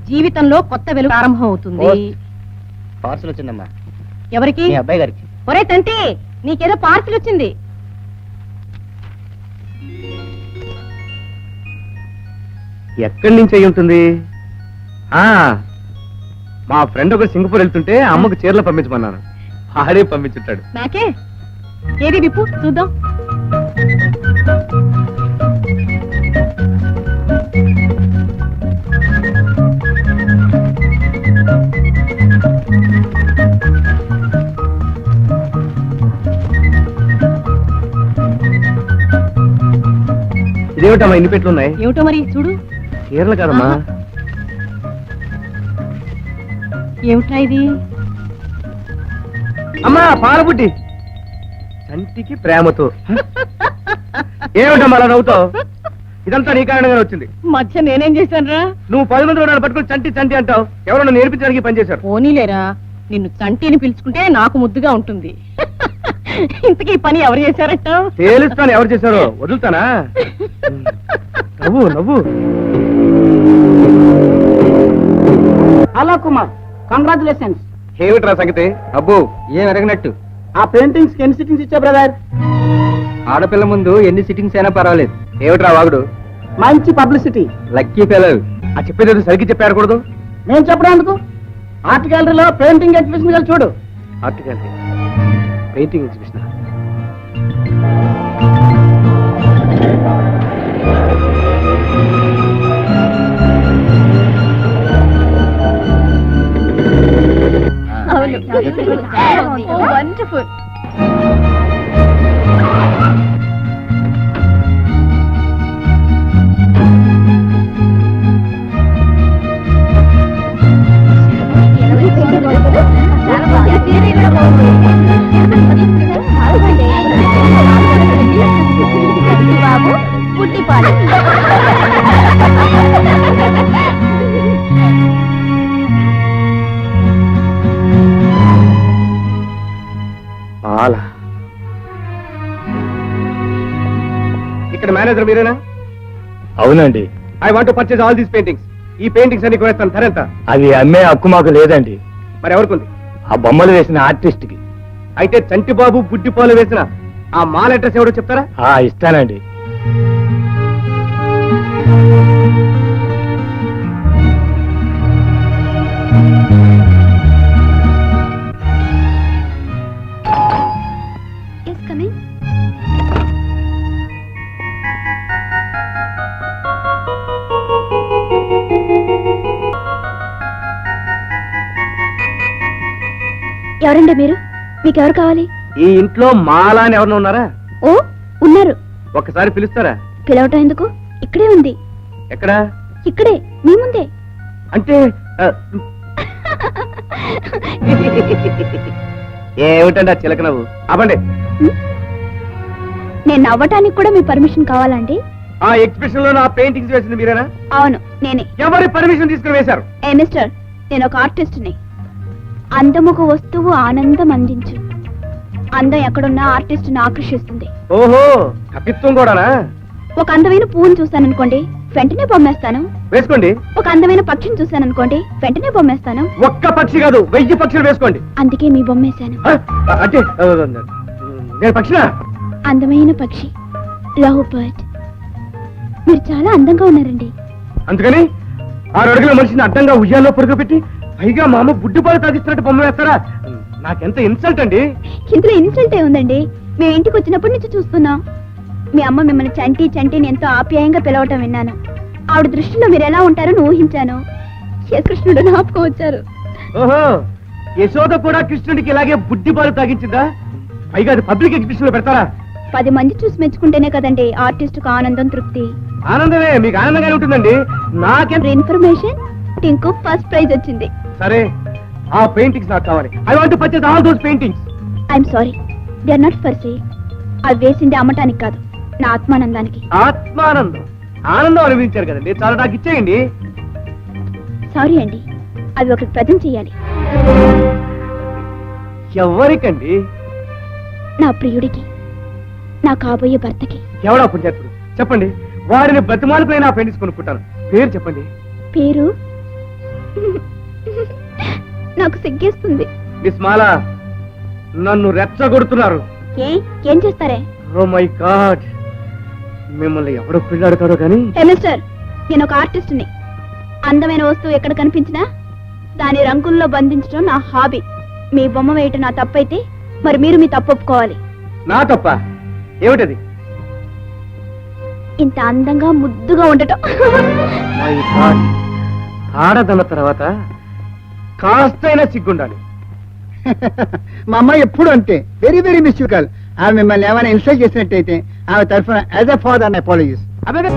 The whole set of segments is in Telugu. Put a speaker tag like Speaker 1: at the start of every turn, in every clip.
Speaker 1: జీవితంలో కొత్త వెలుగు ప్రారంభం అవుతుంది.
Speaker 2: పార్సల్ వచ్చిందమ్మా.
Speaker 1: ఎవరికి?
Speaker 2: మీ అబ్బాయి గారికి.
Speaker 1: ఒరే తంటి, నీకేదో పార్సిల్ వచ్చింది.
Speaker 3: ఎక్కడి నుంచి అయి ఉంటుంది? మా ఫ్రెండ్ ఒక సింగపూర్ వెళ్తుంటే అమ్మకు చీరలు పంపించమన్నాను, ఆడే పంపించుంటాడు.
Speaker 1: నాకే ఏది విప్పు చూద్దాం.
Speaker 3: ఇదేమిటమ్మా ఇన్ని పెట్లు ఉన్నాయి?
Speaker 1: ఏమిటో మరి చూడు.
Speaker 3: చీరలు కాదమ్మా.
Speaker 1: ఏమిటా ఇది?
Speaker 3: అమ్మా పాలబుడ్డి, చంటికి ప్రేమతో. ఏమిటమ్మా అలా నవ్వుతావు? ఇదంతా నీ కారణంగానే వచ్చింది.
Speaker 1: మధ్య నేనేం చేశానురా?
Speaker 3: నువ్వు 10 మంది నన్ను పట్టుకుని చంటి చంటి అంటావు. ఎవరన్నా నేర్పించడానికి పనిచేశారు.
Speaker 1: పోనీలేరా, నిన్ను చంటిని పిలుచుకుంటే నాకు ముద్దుగా ఉంటుంది. ఇంతకీ పని ఎవరు చేశారట?
Speaker 3: తేలుస్తాను ఎవరు చేశారో. వదులుతానా? నవ్వు నవ్వు.
Speaker 4: Hello Kumar, congratulations.
Speaker 3: ఏమిట్రా సంగతి? అబ్బో ఏం ఎరగనట్టు.
Speaker 4: ఆ పెయింటింగ్స్ ఎన్ని సిట్టింగ్స్ ఇచ్చా బ్రదర్?
Speaker 3: ఆడపిల్ల ముందు ఎన్ని సిట్టింగ్స్ అయినా పర్వాలేదు. ఏమిట్రా వాగుడు?
Speaker 4: మంచి పబ్లిసిటీ.
Speaker 3: Lucky fellow. ఆ చెప్పేది సరిగ్గా చెప్పారకూడదు.
Speaker 4: నేను చెప్పడానికి ఆర్ట్ గ్యాలరీలో పెయింటింగ్ ఎగ్జిబిషన్ గా చూడు.
Speaker 3: Art gallery painting exhibition.
Speaker 1: Wonderful. బాబు పుట్టి పాలు.
Speaker 3: ఇక్కడ మేనేజర్ మీరేనా?
Speaker 5: అవునండి.
Speaker 3: I want to purchase all these paintings. ఈ పెయింటింగ్స్ అన్ని కొనేస్తాను. ధర ఎంత?
Speaker 5: అవి అమ్మే హక్కు మాకు లేదండి.
Speaker 3: మరి ఎవరికి?
Speaker 5: ఆ బొమ్మలు వేసిన ఆర్టిస్ట్ కి.
Speaker 3: అయితే చంటిబాబు బుడ్డిపాలు వేసిన ఆ మాల్ అడ్రస్ ఎవడో చెప్తారా?
Speaker 5: ఇస్తానండి.
Speaker 6: ఎవరండి మీరు? మీకెవరు కావాలి?
Speaker 3: ఈ ఇంట్లో మాలా అని ఎవరన్నా ఉన్నారా?
Speaker 6: ఓ ఉన్నారు.
Speaker 3: ఒక్కసారి పిలుస్తారా?
Speaker 6: పిలవటం ఎందుకు? ఇక్కడే ఉంది.
Speaker 3: ఎక్కడా?
Speaker 6: ఇక్కడే మీ ముందే.
Speaker 3: అంటే ఏమిటండి ఆ చిలక నవ్వు? అవ్వండి.
Speaker 6: నేను నవ్వటానికి కూడా మీ పర్మిషన్ కావాలండి?
Speaker 3: ఆ ఎగ్జిబిషన్ లో నా పెయింటింగ్స్ వేసింది మీరేనా?
Speaker 6: అవును నేనే.
Speaker 3: ఎవరి పర్మిషన్ తీసుకుని వేశారు?
Speaker 6: ఏ మిస్టర్, నేను ఒక ఆర్టిస్ట్ ని. అందముకు వస్తువు ఆనందం అందించు. అందం ఎక్కడున్నా ఆర్టిస్ట్ ని ఆకర్షిస్తుంది.
Speaker 3: ఓహో, కపిత్వం కూడానా?
Speaker 6: ఒక అందమైన పువ్వును చూశాననుకోండి, వెంటనే బొమ్మేస్తాను.
Speaker 3: వేసుకోండి.
Speaker 6: ఒక అందమైన పక్షిని చూశాననుకోండి, వెంటనే బొమ్మేస్తాను.
Speaker 3: ఒక్క పక్షి కాదు, 1000 పక్షులు వేసుకోండి.
Speaker 6: అందుకే మీ బొమ్మేశాను.
Speaker 3: అంటే నేను పక్షినా?
Speaker 6: అందమైన పక్షి, లవ్ బర్డ్. మీరు చాలా అందంగా ఉన్నారండి.
Speaker 3: అందుకని 6 అడుగుల మనిషిని అడ్డంగా ఉయ్యాల్లో పడుకోబెట్టి పైగా మా అమ్మ బుడ్డిపాలు తాగిస్తున్నట్టు బొమ్మ వేస్తారా? నాకెంత ఇన్సల్ట్ అండి.
Speaker 6: ఇందులో ఇన్సల్ట్ ఏ ఉందండి? మేము ఇంటికి వచ్చినప్పటి నుంచి చూస్తున్నాం. మీ అమ్మ మిమ్మల్ని చంటి చంటిని ఎంతో ఆప్యాయంగా పిలవటం విన్నాను. ఆవిడ దృష్టిలో మీరు ఎలా ఉంటారని ఊహించాను. కృష్ణుడు జ్ఞాపకం వచ్చారు.
Speaker 3: ఓహో, యశోద కూడా కృష్ణుడికి ఇలాగే బుడ్డిపాలు తాగించిందా? పైగా అది పబ్లిక్ ఎగ్జిబిషన్ లో పెడతారా?
Speaker 6: 10 మంది చూసి మెచ్చుకుంటేనే కదండి ఆర్టిస్ట్ కు ఆనందం, తృప్తి.
Speaker 3: ఆనందమే, మీకు ఆనందంగానే ఉంటుందండి. నాకెంత
Speaker 6: ఇన్ఫర్మేషన్, టింకు ఫస్ట్ ప్రైజ్ వచ్చింది.
Speaker 3: సరే, ఆ పెయింటింగ్స్ నాకు కావాలి. I want to purchase all those paintings.
Speaker 6: I'm sorry, they are not for sale. అవి వేసింది అమ్మటానికి కాదు, నా ఆత్మానందానికి.
Speaker 3: ఆత్మానందం? ఆనందం అనిపించారు కదండి, చాలా నాకు ఇచ్చేయండి.
Speaker 6: సారీ అండి, అవి ఒకటి ప్రజెంట్ చేయాలి.
Speaker 3: ఎవరికండి?
Speaker 6: నా ప్రియుడికి, నా కాబోయే భర్తకి.
Speaker 3: ఎవడా పుణ్యాత్ముడు? చెప్పండి, వారిని బ్రతిమాలకులైనా పెయింటింగ్స్ కొనుక్కుంటాను. పేరు చెప్పండి.
Speaker 6: పేరు నాకు సిగ్గేస్తుంది.
Speaker 3: మిస్ మాలా నన్ను రెచ్చగొడుతున్నారు.
Speaker 6: ఏం చేస్తారే?
Speaker 3: ఓ మై గాడ్, మిమ్మల్ని ఎవడో పెళ్ళాడతాడో కానీ.
Speaker 6: మిస్టర్, నేను ఒక ఆర్టిస్ట్ని. అందమైన వస్తువు ఎక్కడ కనిపించినా దాని రంగుల్లో బంధించడం నా హాబీ. మీ బొమ్మ వేయటం నా తప్పైతే మరి మీరు మీ తప్పు ఒప్పుకోవాలి.
Speaker 3: నా తప్ప ఏమిటది?
Speaker 6: ఇంత అందంగా ముద్దుగా ఉండటం.
Speaker 3: మై గాడ్, ఆడదన్న తర్వాత కాస్తైనా సిగ్గుండాలి.
Speaker 4: మా అమ్మాయి ఎప్పుడు అంతే, వెరీ వెరీ మిస్యూకల్. ఆమె మిమ్మల్ని ఏమైనా ఇన్సల్ట్ చేసినట్టయితే ఆమె తరఫున యాజ్ ఎ ఫాదర్ అపాలజీస్.
Speaker 3: అదే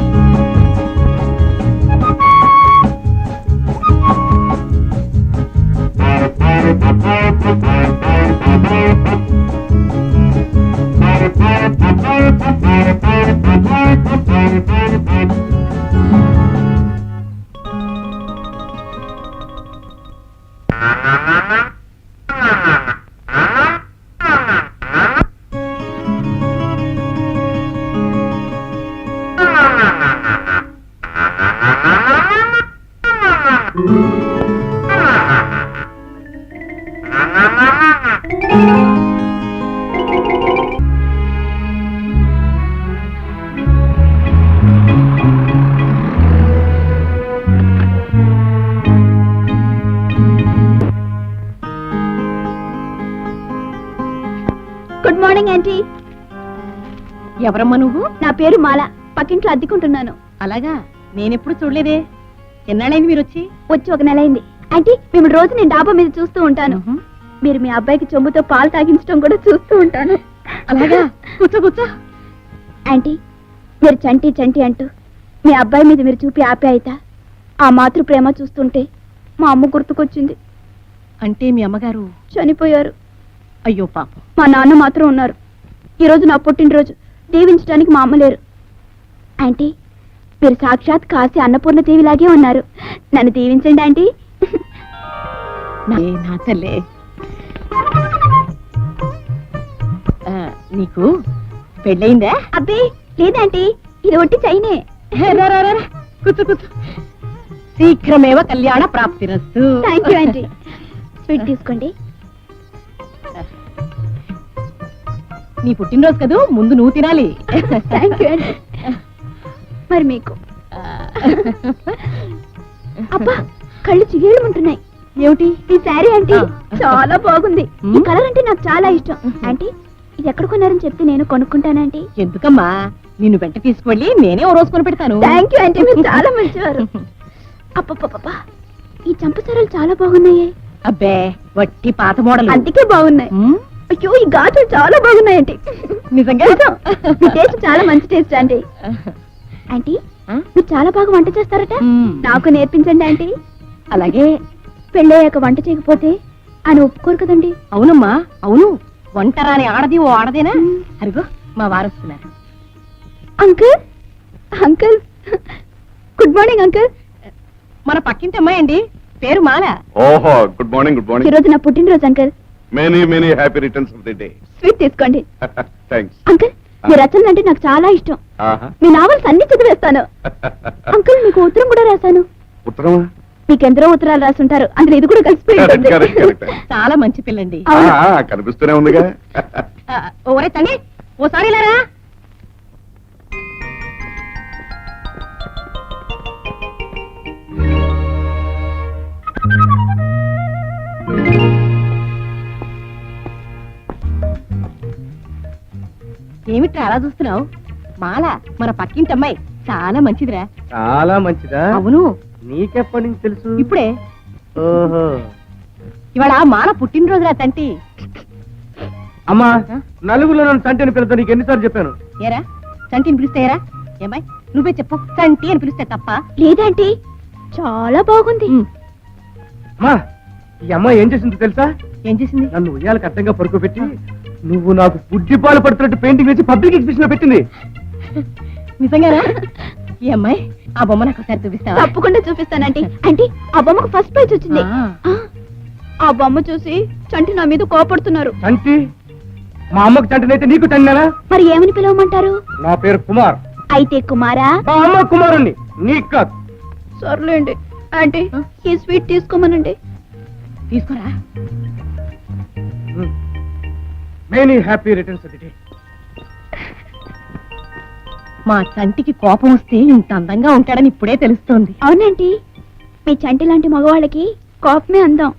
Speaker 6: గుడ్ మార్నింగ్ ఆంటీ.
Speaker 1: ఎవరమ్మా నువ్వు?
Speaker 6: నా పేరు మాల. పక్కింట్లో అద్దెకుంటున్నాను.
Speaker 1: అలాగా, నేనెప్పుడు చూడలేదే. ఎన్నాళ్ళైంది మీరు వచ్చి?
Speaker 6: వచ్చి 1 నెల అయింది. ఆంటీ, మిమ్మల్ని రోజు నేను డాబా మీద చూస్తూ ఉంటాను. మీరు మీ అబ్బాయికి చెంబుతో పాలు తాగించడం కూడా చూస్తూ ఉంటాను.
Speaker 1: అలాగా, కూర్చో కూర్చో.
Speaker 6: ఆంటీ, మీరు చంటి చంటి అంటూ మీ అబ్బాయి మీద మీరు చూపి ఆప్యాయత, ఆ మాతృ ప్రేమ చూస్తుంటే మా అమ్మ గుర్తుకొచ్చింది.
Speaker 1: అంటే మీ అమ్మగారు
Speaker 6: చనిపోయారు.
Speaker 1: అయ్యో పాపం.
Speaker 6: మా నాన్న మాత్రం ఉన్నారు. ఈరోజు నా పుట్టినరోజు, దీవించడానికి మా అమ్మ లేరు. ఆంటీ, మీరు సాక్షాత్ కాశీ అన్నపూర్ణ దేవిలాగే ఉన్నారు. నన్ను దీవించండి ఆంటీ.
Speaker 1: నా తల్లే. నీకు పెళ్ళయిందా?
Speaker 6: అబ్బే లేదంటీ, ఇది ఒట్టి చైనే.
Speaker 1: రా, రా, రా, రా. కూర్చో కూర్చో. శీఘ్రమేవ కళ్యాణ ప్రాప్తిరస్తు.
Speaker 6: Thank you aunty. స్వీట్ తీసుకోండి.
Speaker 1: నీ పుట్టినరోజు కదూ, ముందు నువ్వు తినాలి.
Speaker 6: Thank you aunty. మరి మీకు? అబ్బా, కళ్ళు చిగేళ్ళుంటున్నాయి.
Speaker 1: ఏమిటి?
Speaker 6: ఈ శారీ ఆంటీ చాలా బాగుంది. ఈ కలర్ అంటే నాకు చాలా ఇష్టం. ఆంటీ, ఇది ఎక్కడ కొన్నారని చెప్తే నేను కొనుక్కుంటానంటీ.
Speaker 1: ఎందుకమ్మా, నిన్ను వెంట తీసుకువెళ్ళి నేనే ఓ రోజు కొని పెడతాను.
Speaker 6: థ్యాంక్ యూ ఆంటీ, మీరు చాలా మంచివారు. అప్పప్ప, ఈ చంపసారాలు చాలా బాగున్నాయి.
Speaker 1: అబ్బే, వట్టి పాత మోడల్.
Speaker 6: అందుకే బాగున్నాయి. అయ్యో, ఈ గాజులు చాలా బాగున్నాయండి.
Speaker 1: నిజంగా?
Speaker 6: మీ టేస్ట్ చాలా మంచి టేస్ట్ ఆంటీ. ఆంటీ, మీరు చాలా బాగా వంట చేస్తారట. నాకు నేర్పించండి ఆంటీ.
Speaker 1: అలాగే.
Speaker 6: పెళ్ళయ్యాక వంట చేయకపోతే ఆయన ఒప్పుకోరు కదండి.
Speaker 1: అవునమ్మా, అవును. వంట రాని ఆడది ఓ ఆడదేనా? అరుగో, మా వారు వస్తున్నారు.
Speaker 6: Uncle, uncle, good morning uncle.
Speaker 1: మన పక్కింటి అమ్మాయి అండి, పేరు మాల.
Speaker 7: ఓహో, గుడ్ మార్నింగ్. గుడ్
Speaker 6: ఈ
Speaker 7: మార్నింగ్.
Speaker 6: రోజు నా పుట్టినరోజు uncle.
Speaker 7: Many happy returns of the day.
Speaker 6: Sweet తీసుకోండి.
Speaker 7: థ్యాంక్స్.
Speaker 6: అంకుల్, మీ రచనలు అంటే నాకు చాలా ఇష్టం.
Speaker 7: ఆహా.
Speaker 6: మీ నావల్స్ అన్ని చదివేస్తాను. అంకుల్, మీకు ఉత్తరం కూడా రాశాను.
Speaker 7: ఉత్తరమా?
Speaker 6: మీకెందరో ఉత్తరాలు రాసుంటారు, అందులో ఇది కూడా కలిసిపోయి ఉంటుంది.
Speaker 7: కరెక్ట్.
Speaker 1: చాలా మంచి పిల్లండి.
Speaker 6: అవును.
Speaker 7: కనిపిస్తూనే ఉందిగా.
Speaker 1: ఓరే తండ్రి, ఓసారి లేరా? ఏమిట్రా అలా చూస్తున్నావు? మాల, మన పక్కింటి అమ్మాయి, చాలా మంచిదిరా.
Speaker 3: చాలా మంచిదా?
Speaker 1: అవును.
Speaker 3: నీకెప్పటి నుంచి తెలుసు?
Speaker 1: ఇప్పుడే.
Speaker 3: ఓహో.
Speaker 1: ఇవాళ మాల పుట్టినరోజురా తంటి.
Speaker 3: అమ్మా, నలుగురిలో నన్ను చంటి అని పిలుస్తా. నీకు ఎన్నిసార్లు చెప్పాను?
Speaker 1: ఏరా, చంటిని పిలిస్తే ఏరా? ఏమాయ్, నువ్వే చెప్పు. చంటి అని పిలిస్తే తప్ప?
Speaker 6: లేదంటీ, చాలా బాగుంది.
Speaker 3: అమ్మా, ఈ అమ్మాయి ఏం చేసిందో తెలుసా?
Speaker 1: ఏం చేసింది?
Speaker 3: నన్ను ఉయ్యాలకు అడ్డంగా పడుకోబెట్టి నువ్వు నాకు బుడ్డిపాలు పడుతున్నట్టు పెయింటింగ్ వేసి పబ్లిక్ ఎగ్జిబిషన్ లో పెట్టింది.
Speaker 1: నిజంగానా? ఈ అమ్మాయి, ఆ బొమ్మ నాకు ఒకసారి చూపిస్తావా?
Speaker 6: తప్పకుండా చూపిస్తానంటీ. అంటే ఆ బొమ్మకు ఫస్ట్ ప్రైజ్ వచ్చింది. ఆ బొమ్మ చూసి చంటి నా మీద కోపడుతున్నారు.
Speaker 3: చంటి? మా అమ్మకు చంటినైతే నీకు చండినా?
Speaker 6: మరి ఏమని పిలవమంటారు?
Speaker 3: నా పేరు కుమార్.
Speaker 6: అయితే కుమారా?
Speaker 3: మా అమ్మ కుమారుణ్ణి, నీకు కాదు.
Speaker 6: సర్లేండి ఆంటీ, ఈ స్వీట్ తీసుకోమనండి.
Speaker 1: తీసుకోరా.
Speaker 3: Many happy returns of the day.
Speaker 1: మా చంటికి కోపం వస్తే ఇంత అందంగా ఉంటాడని ఇప్పుడే తెలుస్తోంది.
Speaker 6: అవునండి, మీ చంటి లాంటి మగవాళ్ళకి కోపమే అందం.